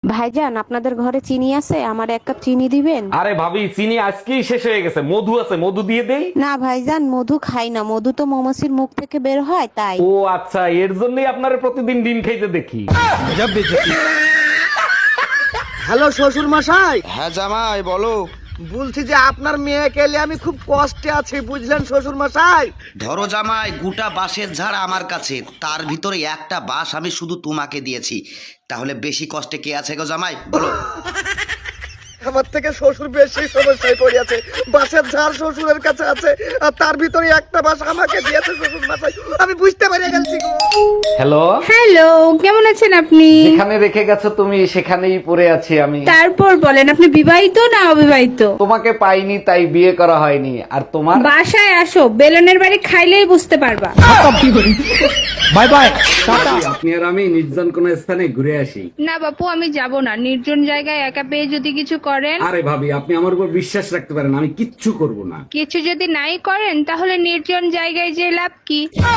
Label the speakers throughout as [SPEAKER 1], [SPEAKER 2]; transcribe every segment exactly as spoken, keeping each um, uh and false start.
[SPEAKER 1] ভাইজান, আপনাদের ঘরে চিনি আছে? আমার এক কাপ চিনি দিবেন?
[SPEAKER 2] আরে ভাবি, চিনি আজকেই শেষ হয়ে গেছে। মধু আছে, মধু দিয়ে দেই।
[SPEAKER 1] না ভাইজান, মধু খাই না। মধু তো মৌমাছির মুখ থেকে বের হয়, তাই।
[SPEAKER 2] ও আচ্ছা, এর জন্যই আপনারে প্রতিদিন ডিম খাইতে দেখি।
[SPEAKER 3] হ্যালো শ্বশুর মশাই,
[SPEAKER 4] হ্যাঁ জামাই বলো।
[SPEAKER 3] বলছি যে আপনার মেয়েকে নিয়ে আমি খুব কষ্টে আছি, বুঝলেন শ্বশুর মশাই।
[SPEAKER 4] ধরো জামাই, গোটা বাঁশের ঝাড় আমার কাছে, তার ভিতরে একটা বাঁশ আমি শুধু তোমাকে দিয়েছি, তাহলে বেশি কষ্টে কে আছে গো জামাই বলো?
[SPEAKER 3] আমার থেকে শ্বশুর বেশি সমস্যায় পড়িয়াছে। বাসের ঝাড় শ্বশুরের কাছে আছে, আর তার ভিতরে একটা বাস আমাকে দিয়েছে শ্বশুর মশাই। আমি বুঝতে পারি গেছি গো।
[SPEAKER 2] হ্যালো,
[SPEAKER 5] হ্যালো, কেমন আছেন আপনি?
[SPEAKER 2] যেখানে রেখে গেছো তুমি সেখানেই পড়ে আছি আমি।
[SPEAKER 5] তারপর বলেন, আপনি বিবাহিত না অবিবাহিত?
[SPEAKER 2] তোমাকে পাইনি তাই বিয়ে করা হয়নি। আর তোমার?
[SPEAKER 5] বাসায় আসো, বেলনের বাড়ি খাইলেই বুঝতে পারবা।
[SPEAKER 2] Bye bye, tata. আপনি আর আমি নির্জন কোন স্থানে ঘুরে আসি।
[SPEAKER 5] না বাপু, আমি যাব না। নির্জন জায়গায় একা পেয়ে যদি কিছু করেন।
[SPEAKER 2] আরে ভাবি, আপনি আমার উপর বিশ্বাস রাখতে পারেন, আমি কিচ্ছু করব না।
[SPEAKER 5] কিছু যদি নাই করেন তাহলে নির্জন জায়গায় যে লাভ কি?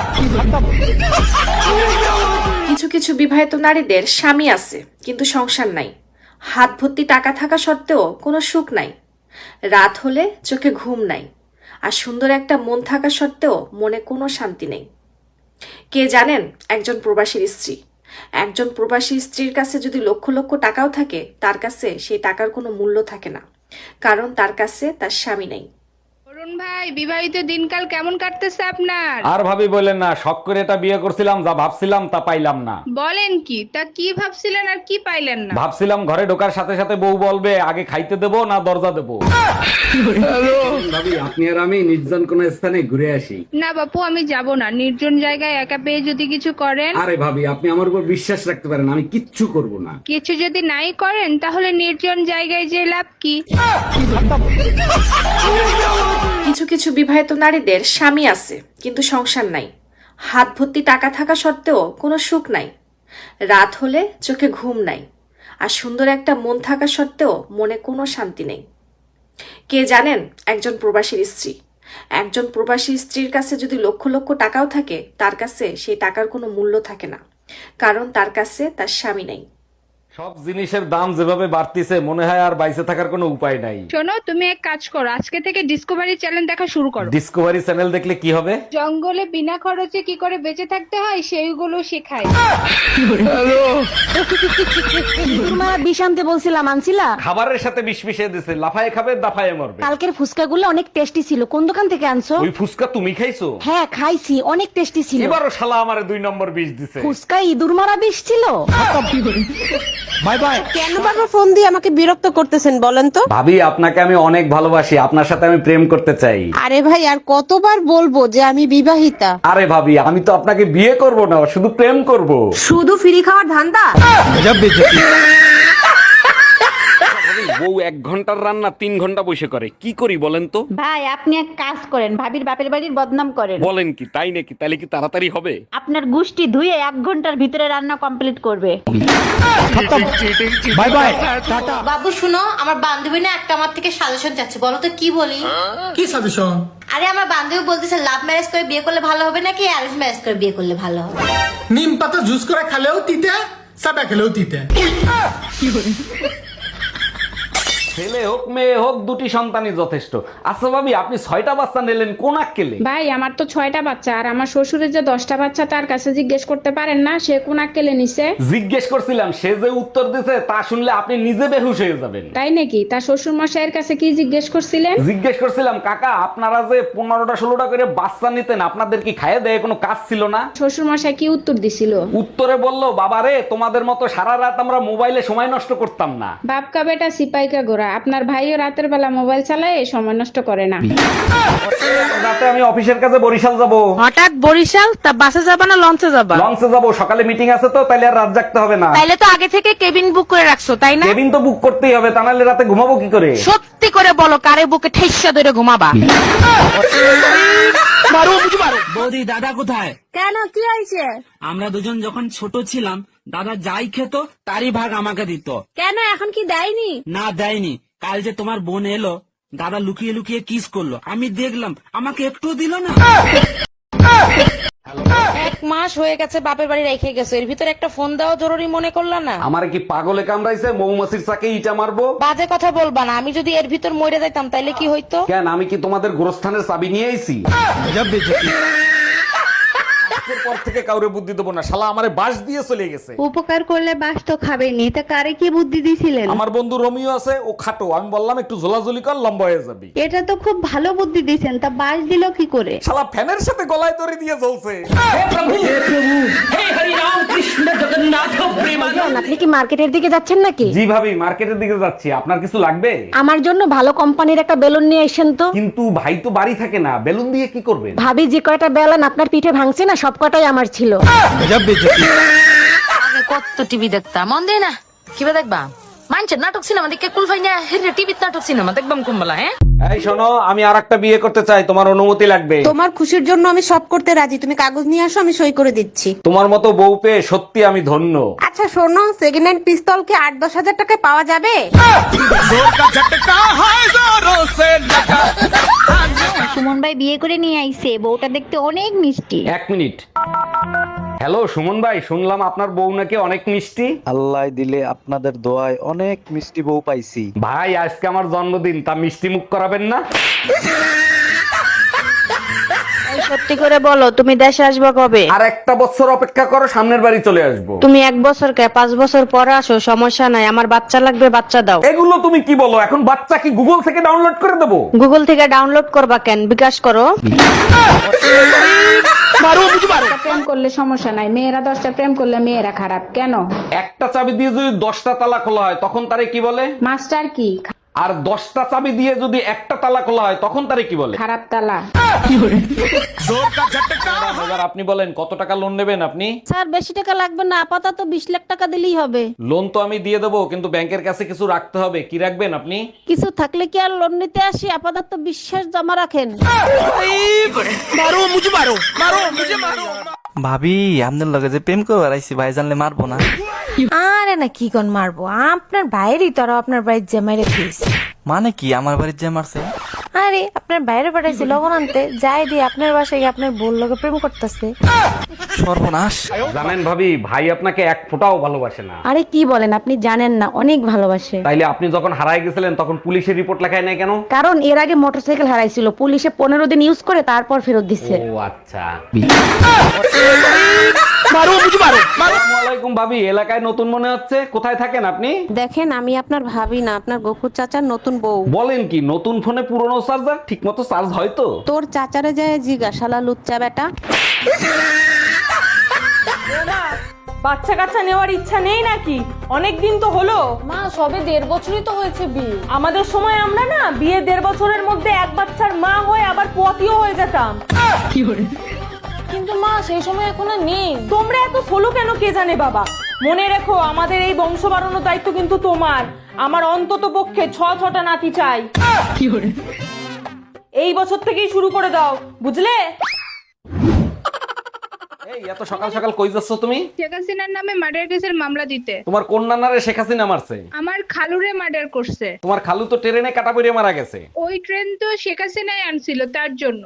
[SPEAKER 6] কিছু কিছু বিবাহিত নারীদের স্বামী আছে কিন্তু সংসার নাই। হাত ভর্তি টাকা থাকা সত্ত্বেও কোনো সুখ নাই। রাত হলে চোখে ঘুম নাই। আর সুন্দর একটা মন থাকা সত্ত্বেও মনে কোনো শান্তি নেই। কে জানেন একজন প্রবাসীর স্ত্রী? একজন প্রবাসী স্ত্রীর কাছে যদি লক্ষ লক্ষ টাকাও থাকে, তার কাছে সেই টাকার কোনো মূল্য থাকে না, কারণ তার কাছে তার স্বামী নেই।
[SPEAKER 5] অরুণ ভাই, বিবাহিত দিনকাল কেমন কাটতেছে আপনার?
[SPEAKER 2] আর ভাবি বলেন না, শখ করে এটা বিয়ে করছিলাম, যা ভাবছিলাম তা পাইলাম না।
[SPEAKER 5] বলেন কি? তা কি ভাবছিলেন আর কি পাইলেন না?
[SPEAKER 2] ভাবছিলাম ঘরে ঢোকার সাথে সাথে বউ বলবে আগে খাইতে দেবো না দরজা দেবো। ভাবি, আপনি আর আমি নির্জন কোন স্থানে ঘুরে আসি।
[SPEAKER 5] না বাপু, আমি যাব না। নির্জন জায়গায় একা পেয়ে যদি কিছু করেন।
[SPEAKER 2] আরে ভাবি, আপনি আমার উপর বিশ্বাস রাখতে পারেন, আমি কিচ্ছু করব না।
[SPEAKER 5] কিছু যদি নাই করেন তাহলে নির্জন জায়গায় যে লাভ কি?
[SPEAKER 6] কিছু কিছু বিবাহিত নারীদের স্বামী আছে কিন্তু সংসার নাই। হাত ভর্তি টাকা থাকা সত্ত্বেও কোনো সুখ নাই। রাত হলে চোখে ঘুম নাই। আর সুন্দর একটা মন থাকা সত্ত্বেও মনে কোনো শান্তি নেই। কে জানেন একজন প্রবাসীর স্ত্রী? একজন প্রবাসী স্ত্রীর কাছে যদি লক্ষ লক্ষ টাকাও থাকে, তার কাছে সেই টাকার কোনো মূল্য থাকে না, কারণ তার কাছে তার স্বামী নেই।
[SPEAKER 2] সব জিনিসের দাম যেভাবে বাড়তিছে, মনে হয় আর বাইসে থাকার কোনো উপায় নাই।
[SPEAKER 5] শোনো, তুমি এক কাজ করো, আজকে থেকে ডিসকভারি চ্যানেল দেখা শুরু করো।
[SPEAKER 2] ডিসকভারি চ্যানেল দেখলে কি হবে?
[SPEAKER 5] জঙ্গলে বিনা খরচে কি করে বেঁচে থাকতে হয় সেইগুলো শেখায়।
[SPEAKER 1] মা বিষ আনতে বলছিলাম, আনছিলা?
[SPEAKER 2] খাবারের সাথে বিষ মিশিয়ে দিছে, লাফায়ে খাবে দাফায়ে মরবে।
[SPEAKER 1] কালকের ফুচকাগুলো অনেক টেস্টি ছিল। কোন দোকান থেকে আনছো?
[SPEAKER 2] ওই ফুসকা তুমি খাইছো?
[SPEAKER 1] হ্যাঁ খাইছি, অনেক টেস্টি ছিল।
[SPEAKER 2] এবারও শালা আমারে দুই নম্বর বিষ দিছে।
[SPEAKER 1] ফুচকা ইঁদুর মারা বিষ ছিল।
[SPEAKER 2] Bye bye.
[SPEAKER 1] কেন বারবার ফোন দিয়ে আমাকে বিরক্ত করতেছেন বলেন তো?
[SPEAKER 2] ভাবি, আপনাকে আমি অনেক ভালোবাসি, আপনার সাথে আমি প্রেম করতে চাই।
[SPEAKER 1] আরে ভাই, আর কতবার বলবো যে আমি বিবাহিতা?
[SPEAKER 2] আরে ভাবি, আমি তো আপনাকে বিয়ে করব না, শুধু প্রেম করব।
[SPEAKER 1] শুধু ফ্রি খাওয়ার ধান্দা?
[SPEAKER 2] বউ এক ঘন্টার রান্না তিন ঘন্টা বসে করে, কি করি বলেন তো?
[SPEAKER 7] ভাই, আপনি এক কাজ করেন, ভাবির বাপের বাড়ির বদনাম করেন।
[SPEAKER 2] বলেন কি? তাই নাকি? তাহলে কি তাড়াতাড়ি হবে?
[SPEAKER 7] আপনার গুষ্টি ধুয়ে এক ঘন্টার ভিতরে রান্না কমপ্লিট করবে।
[SPEAKER 2] Bye bye.
[SPEAKER 8] বাবু শুনো, আমার বান্ধবী না একটা আমার থেকে সাজেশন চাচ্ছে, বলো তো কি বলি?
[SPEAKER 9] কি সাজেশন?
[SPEAKER 8] আরে আমার বান্ধবী বলতেছে লাভ ম্যারেজ করে বিয়ে করলে ভালো হবে নাকি অ্যারেঞ্জ ম্যারেজ করে বিয়ে করলে ভালো হবে?
[SPEAKER 9] নিম পাতা জুস করে খেলেও তিতে, সাদা খেলেও তিতে।
[SPEAKER 2] ছেলে হোক মেয়ে হোক, দুটি সন্তানই যথেষ্ট। আচ্ছা ভাবি, আপনি ছয়টা বাচ্চা নিলেন কোন আক্কেলে?
[SPEAKER 5] ভাই, আমার তো ছয়টা বাচ্চা, আর আমার শ্বশুরের যে দশটা বাচ্চা, তার কাছে জিজ্ঞেস করতে পারেন না সে কোন আক্কেলে নিছে?
[SPEAKER 2] জিজ্ঞেস করছিলাম, সে যে উত্তর দিছে তা শুনলে আপনি নিজে বেহুশ হয়ে যাবেন।
[SPEAKER 5] তাই নাকি? তার শ্বশুর মশাইয়ের কাছে কি জিজ্ঞেস করছিলেন?
[SPEAKER 2] জিজ্ঞেস করছিলাম, কাকা আপনারা যে পনেরোটা ষোলোটা করে বাচ্চা নিতেন, আপনাদের কি খাইয়ে দেয় কোনো কাজ ছিল না?
[SPEAKER 5] শ্বশুর মশাই কি উত্তর দিছিল?
[SPEAKER 2] উত্তরে বলল, বাবা রে, তোমাদের মতো সারা রাত আমরা মোবাইলে সময় নষ্ট করতাম না।
[SPEAKER 5] বাপকা বেটা সিপাইকা গোরা, আপনার ভাইও রাতের বেলা মোবাইল চালায়, সময় নষ্ট করে না।
[SPEAKER 2] রাতে আমি অফিসের কাছে বরিশাল যাব।
[SPEAKER 1] হঠাৎ বরিশাল? তা বাসে যাবা না লঞ্চে যাবা?
[SPEAKER 2] লঞ্চে যাব, সকালে মিটিং আছে তো, তাইলে আর রাত জাগতে হবে না।
[SPEAKER 1] তাইলে তো আগে থেকে কেবিন বুক করে রাখছো, তাই না?
[SPEAKER 2] কেবিন তো বুক করতেই হবে, তা নাহলে রাতে ঘুমাবো কি করে?
[SPEAKER 1] সত্যি করে বলো, কারে বুকে ঠেসা ধরে ঘুমাবা?
[SPEAKER 10] বৌদি, দাদা কোথায়?
[SPEAKER 7] কেন, কি হয়েছে?
[SPEAKER 10] আমরা দুজন যখন ছোট ছিলাম, দাদা যাই খেত তারই ভাগ আমাকে দিত।
[SPEAKER 7] কেন, এখন কি দেয়নি?
[SPEAKER 10] না দেয়নি। কাল যে তোমার বোন এলো, দাদা লুকিয়ে লুকিয়ে কিস করলো, আমি দেখলাম, আমাকে একটু দিল না।
[SPEAKER 1] এক মাস হয়ে গেছে বাপের বাড়ি রেখে গেছো, এর ভিতরে একটা ফোন দেওয়া জরুরি মনে করলা না?
[SPEAKER 2] আমার কি পাগলে কামড়াইছে মৌমাছির চাকে ইটা মারবো?
[SPEAKER 1] বাজে কথা বলবা না, আমি যদি এর ভিতর মরে যাইতাম তাইলে কি হইতো?
[SPEAKER 2] কেন, আমি কি তোমাদের গোরস্থানের চাবি নিয়ে আইছি? আজকের পর থেকে কাউরে বুদ্ধি দেবো না, শালা আমারে বাঁশ দিয়ে চলে গেছে।
[SPEAKER 1] উপকার করলে বাস তো খাবেনি, তা কারে কি বুদ্ধি দিছিলেন?
[SPEAKER 2] আমার বন্ধু রোমিও আছে, ও খাটো, আমি বললাম একটু ঝোলাঝুলি কর, লম্বা হয়ে যাবি।
[SPEAKER 1] এটা তো খুব ভালো বুদ্ধি দিছেন, তা বাস দিল কি করে?
[SPEAKER 2] শালা ফ্যানের সাথে গলায় দড়ি দিয়ে জ্বলছে।
[SPEAKER 1] আপনি কি মার্কেটের দিকে যাচ্ছেন নাকি?
[SPEAKER 2] জি ভাবি, মার্কেটের দিকে যাচ্ছি, আপনার কিছু লাগবে?
[SPEAKER 1] আমার জন্য ভালো কোম্পানির একটা বেলুন নিয়ে আসেন তো।
[SPEAKER 2] কিন্তু ভাই তো বাড়ি থাকে না, বেলুন দিয়ে কি করবেন?
[SPEAKER 1] ভাবি যে কয়টা বেলুন আপনার পিঠে ভাঙছে না, সব কটাই আমার ছিল।
[SPEAKER 8] আগে কত টিভি দেখতাম, মন দেয় না কিবা দেখবা মানছেন নাটক সিনেমা দেখে কুলফাই না হেরে টিভিতে নাটক সিনেমা দেখবাম কুম্বলা। হ্যাঁ
[SPEAKER 2] এই শোনো, আমি আর একটা বিয়ে করতে চাই, তোমার অনুমতি লাগবে।
[SPEAKER 1] তোমার খুশির জন্য আমি সব করতে রাজি, তুমি কাগজ নিয়ে আসো, আমি সই করে দিচ্ছি।
[SPEAKER 2] তোমার মতো বউ পেয়ে সত্যি আমি ধন্য।
[SPEAKER 1] আচ্ছা শোনো, সেকেন্ড হ্যান্ড পিস্তল কি আট দশ হাজার টাকায় পাওয়া যাবে?
[SPEAKER 7] সুমন ভাই বিয়ে করে নিয়ে আইছে, বউটা দেখতে অনেক মিষ্টি।
[SPEAKER 2] এক মিনিট। হ্যালো সুমন ভাই, শুনলাম আপনার বউ নাকি অনেক মিষ্টি।
[SPEAKER 11] আল্লাহ দিলে আপনাদের দোয়ায় অনেক মিষ্টি বউ পাইছি।
[SPEAKER 2] ভাই আজকে আমার জন্মদিন, তা মিষ্টি মুখ করাবেন না?
[SPEAKER 1] সত্যি করে বলো, তুমি দেশে আসবে কবে?
[SPEAKER 2] আর একটা বছর অপেক্ষা করো, সামনের বাড়ি চলে আসবো।
[SPEAKER 1] তুমি এক বছর কে পাঁচ বছর পরে আসো, সমস্যা নাই, আমার বাচ্চা লাগবে, বাচ্চা দাও।
[SPEAKER 2] এগুলো তুমি কি বলো? এখন বাচ্চা কি গুগল থেকে ডাউনলোড করে দেবো?
[SPEAKER 1] গুগল থেকে ডাউনলোড করবা কেন, বিকাশ করো।
[SPEAKER 5] প্রেম করলে সমস্যা নাই, মেয়েরা দশটা প্রেম করলে মেয়েরা খারাপ কেন?
[SPEAKER 2] একটা চাবি দিয়ে যদি দশটা তালা খোলা হয় তখন তারে কি বলে?
[SPEAKER 5] মাস্টার কি?
[SPEAKER 2] আর দশটা চাবি দিয়ে যদি একটা তালা খোলা হয় তখন তারে কি বলে?
[SPEAKER 5] খারাপ তালা।
[SPEAKER 2] এবার আপনি বলেন কত টাকা লোন নেবেন আপনি?
[SPEAKER 7] স্যার বেশি টাকা লাগবে না, আপাতত বিশ লাখ টাকা দিলেই হবে।
[SPEAKER 2] লোন তো আমি দিয়ে দেবো, কিন্তু ব্যাংকের কাছে কিছু রাখতে হবে। কি রাখবেন আপনি?
[SPEAKER 7] কিছু থাকলে কি আর লোন নিতে আসি, আপাতত বিশ্বাস জমা রাখেন।
[SPEAKER 10] ভাবি আপনার লগে যে প্রেম করে বেড়াইছি, ভাই জানলে মারবো না?
[SPEAKER 8] আরে না কি কোন মারবো, আপনার বাইরেই তো আপনার বাড়ির জামাই রেখিস।
[SPEAKER 10] মানে কি আমার বাড়ির যে মারছে?
[SPEAKER 8] আরে আপনার বাইরে পাঠাইছি লবণ আনতে, যাই দিয়ে আপনার বাসায় গিয়ে আপনার বোন লগে প্রেম করতেছে।
[SPEAKER 10] সর্বনাশ।
[SPEAKER 2] জানেন ভাবি, ভাই আপনাকে এক ফোঁটাও ভালোবাসে না।
[SPEAKER 1] আরে কি বলেন, আপনি জানেন না, অনেক ভালোবাসে।
[SPEAKER 2] তাইলে আপনি যখন হারায় গেছিলেন তখন পুলিশের রিপোর্ট লেখায় নাই কেন?
[SPEAKER 1] কারণ এর আগে মোটরসাইকেল হারাইছিল, পুলিশে পনেরো দিন ইউজ করে তারপর ফেরত দিচ্ছে।
[SPEAKER 2] ও আচ্ছা। আসসালামু আলাইকুম ভাবি, এলাকায় নতুন মনে হচ্ছে, কোথায় থাকেন আপনি?
[SPEAKER 1] দেখেন, আমি আপনার ভাবি না, আপনার গফুর চাচার নতুন বউ।
[SPEAKER 2] বলেন কি, নতুন ফোনে পুরনো চার্জার ঠিক মতো চার্জ হয় তো?
[SPEAKER 1] তোর চাচারে যায় জিজ্ঞাসালা লুচ্চা বেটা।
[SPEAKER 6] বাচ্চা কাচ্চা নেওয়ার ইচ্ছা নেই নাকি? অনেক দিন তো হলো।
[SPEAKER 5] মা সবে দেড় বছরই তো হয়েছে বিয়ে।
[SPEAKER 6] আমাদের সময় আমরা না বিয়ে দেড় বছরের মধ্যে এক বাচ্চার মা হয়ে আবার পোয়াতিও হয়ে যেতাম।
[SPEAKER 5] কিন্তু মা সেই সময় এখন আর নেই।
[SPEAKER 6] তোমরা এত সোলো কেন কে জানে বাবা। মনে রেখো, আমাদের এই বংশ বাড়ানোর দায়িত্ব কিন্তু তোমার। আমার অন্তত পক্ষে ছ ছটা নাতি চাই। এই বছর থেকেই শুরু করে দাও, বুঝলে?
[SPEAKER 2] এই এত সকাল সকাল কই যাচ্ছ তুমি?
[SPEAKER 5] শেখ হাসিনার নামে মার্ডার কেসের মামলা দিতে।
[SPEAKER 2] তোমার কোন নানারে শেখ হাসিনা মারছে?
[SPEAKER 5] আমার খালুরে মার্ডার করছে।
[SPEAKER 2] তোমার খালু তো ট্রেনে কাটা পড়ে মারা গেছে।
[SPEAKER 5] ওই ট্রেন তো শেখ হাসিনাই আনছিল, তার জন্য।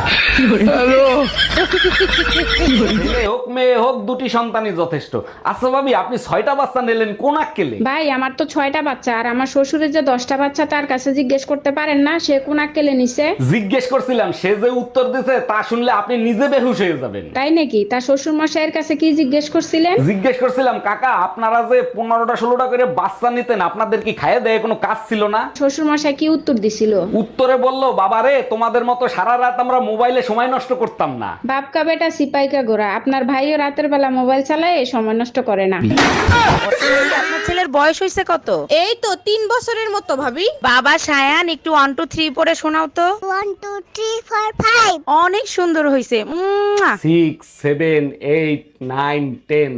[SPEAKER 2] ছেলে হোক মেয়ে হোক, দুটি সন্তানই যথেষ্ট। আচ্ছা ভাবি, আপনি ছয়টা বাচ্চা নিলেন কোন আক্কেলে?
[SPEAKER 5] ভাই আমার তো ছয়টা বাচ্চা, আর আমার শ্বশুরের যে দশটা বাচ্চা তার কাছে জিজ্ঞেস করতে পারেন না সে কোন আক্কেলে নিছে?
[SPEAKER 2] জিজ্ঞেস করছিলাম, সে যে উত্তর দিছে তা শুনলে আপনি নিজে বেহুশ হয়ে যাবেন।
[SPEAKER 5] তাই নাকি? তার শ্বশুর মশাইয়ের কাছে কি জিজ্ঞেস করছিলেন?
[SPEAKER 2] জিজ্ঞেস করছিলাম, কাকা আপনারা যে পনেরোটা ষোলোটা করে বাচ্চা নিতেন, আপনাদের কি খাইয়ে দেয় কোনো কাজ ছিল না?
[SPEAKER 5] শ্বশুর মশাই কি উত্তর দিছিল?
[SPEAKER 2] উত্তরে বললো, বাবারে তোমাদের মতো সারা রাত আমরা মোবাইলে সময় নষ্ট করতাম না।
[SPEAKER 5] বাপকা বেটা সিপাইকা গোরা, আপনার ভাইও রাতের বেলা মোবাইল চালায়, সময় নষ্ট করে না।
[SPEAKER 1] আপনার ছেলের বয়স হয়েছে কত? এই তো তিন বছরের মতো ভাবি। বাবা সায়ান, একটু ওয়ান টু থ্রি পরে শোনাও তো।
[SPEAKER 8] One two three four five.
[SPEAKER 1] অনেক সুন্দর হয়েছে।
[SPEAKER 2] Six seven eight nine ten.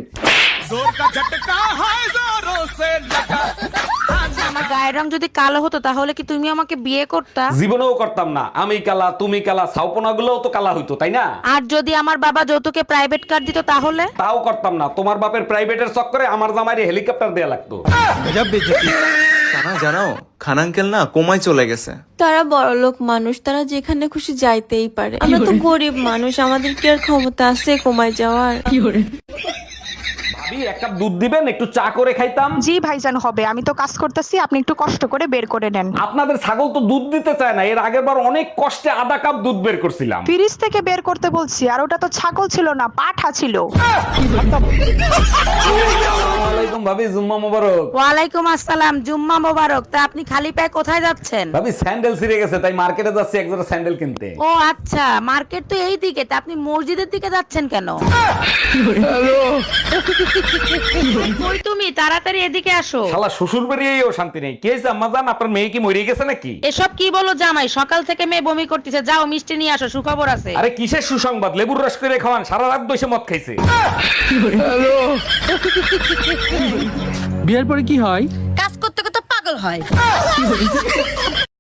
[SPEAKER 1] আমার গায়ের রং যদি কালো হতো তাহলে কি তুমি আমাকে বিয়ে করতা?
[SPEAKER 2] জীবনেও করতাম না। আমি কালা, তুমি কালা, ছাউপনা গুলোও তো কালা হইতো, তাই না?
[SPEAKER 1] আর যদি আমার বাবা যৌতুকে প্রাইভেট কার দিত তাহলে?
[SPEAKER 2] তাও করতাম না। তোমার বাপের প্রাইভেটের চক্করে আমার জামাইরে হেলিকপ্টার দেয়া লাগতো।
[SPEAKER 12] জানা জানো খান আঙ্কেল না কোমায় চলে গেছে।
[SPEAKER 8] তারা বড়লোক মানুষ, তারা যেখানে খুশি যাইতেই পারে। আমরা তো গরিব মানুষ, আমাদের কি আর ক্ষমতা আছে কমায় যাওয়ার?
[SPEAKER 2] ভাবি এক কাপ দুধ দিবেন, একটু চা করে খাইতাম।
[SPEAKER 1] জি ভাইজান হবে, আমি তো কাজ করতেছি, আপনি একটু কষ্ট করে বের করে নেন।
[SPEAKER 2] আপনাদের ছাগল তো দুধ দিতে চায় না, এর আগের বার অনেক কষ্টে আধা কাপ দুধ বের করছিলাম।
[SPEAKER 1] ফ্রিজ থেকে বের করতে বলছি, আর ওটা তো ছাগল ছিল না, পাঠা ছিল।
[SPEAKER 2] আসসালামু আলাইকুম ভাবি, জুম্মা মোবারক।
[SPEAKER 1] ওয়ালাইকুম আসসালাম, জুম্মা মোবারক। তা আপনি খালি পায়ে কোথায় যাচ্ছেন?
[SPEAKER 2] ভাবি স্যান্ডেল ছিঁড়ে গেছে, তাই মার্কেটে যাচ্ছি এক জোড়া স্যান্ডেল কিনতে।
[SPEAKER 1] ও আচ্ছা, মার্কেট তো এই দিকে, তা আপনি মসজিদের দিকে যাচ্ছেন কেন? কই তুমি, তাড়াতাড়ি এদিকে আসো।
[SPEAKER 2] শালা শ্বশুর বাড়িয়েও শান্তি নেই। কি হয়েছে আম্মা জান, আপনার মেয়ে কি মরে গেছে নাকি?
[SPEAKER 1] এসব কি বলো জামাই, সকাল থেকে মেয়ে বমি করতেছে। যাও মিষ্টি নিয়ে আসো, সুখবর আছে।
[SPEAKER 2] আরে কিসের সুসংবাদ, লেবুর রস করে খাওয়ান, সারা রাত বসে মদ খাইছে।
[SPEAKER 10] বিয়ের পরে কি হয়?
[SPEAKER 8] কাজ করতে করতে পাগল হয়।